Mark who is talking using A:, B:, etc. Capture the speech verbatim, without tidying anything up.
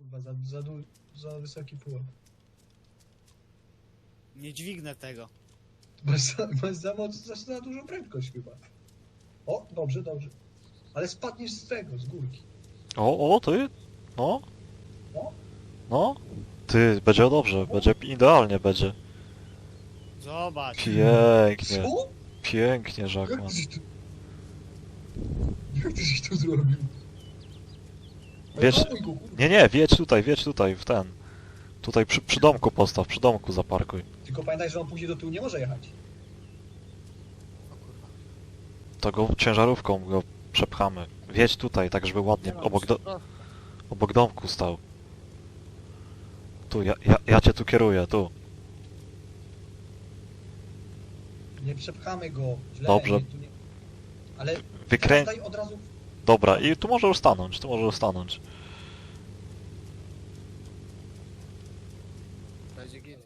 A: Kurwa, za, za, du- za wysoki pułap.
B: Nie dźwignę tego.
A: Masz za, masz za, moc, za, za dużą prędkość chyba. O, dobrze, dobrze. Ale spadniesz z tego, z górki.
C: O, o, ty? No?
A: No?
C: No? Ty, będzie dobrze, będzie idealnie będzie.
B: Zobacz.
C: Pięknie,
A: Co?
C: pięknie,
A: Jak
C: Żakman.
A: ty żeś to... Jak ty żeś to zrobił?
C: Wiesz-
A: Hamuj go, kurwa.
C: Nie, nie, wiedź tutaj, wiedź tutaj, w ten. Tutaj przy, przy domku postaw, przy domku zaparkuj.
A: Tylko pamiętaj, że on później do tyłu nie może jechać.
B: O kurwa.
C: To go ciężarówką go przepchamy. Wiedź tutaj, tak żeby ładnie,
B: Nie mam
C: obok, do,
B: jeszcze-
C: obok domku stał. Tu, ja, ja, ja cię tu kieruję, tu.
A: Nie przepchamy go. Źle,
C: Dobrze.
A: Nie, tu nie... Ale
C: Wykrę...
A: daj od razu...
C: Dobra, i tu może już stanąć, tu może już stanąć.
B: Będzie git.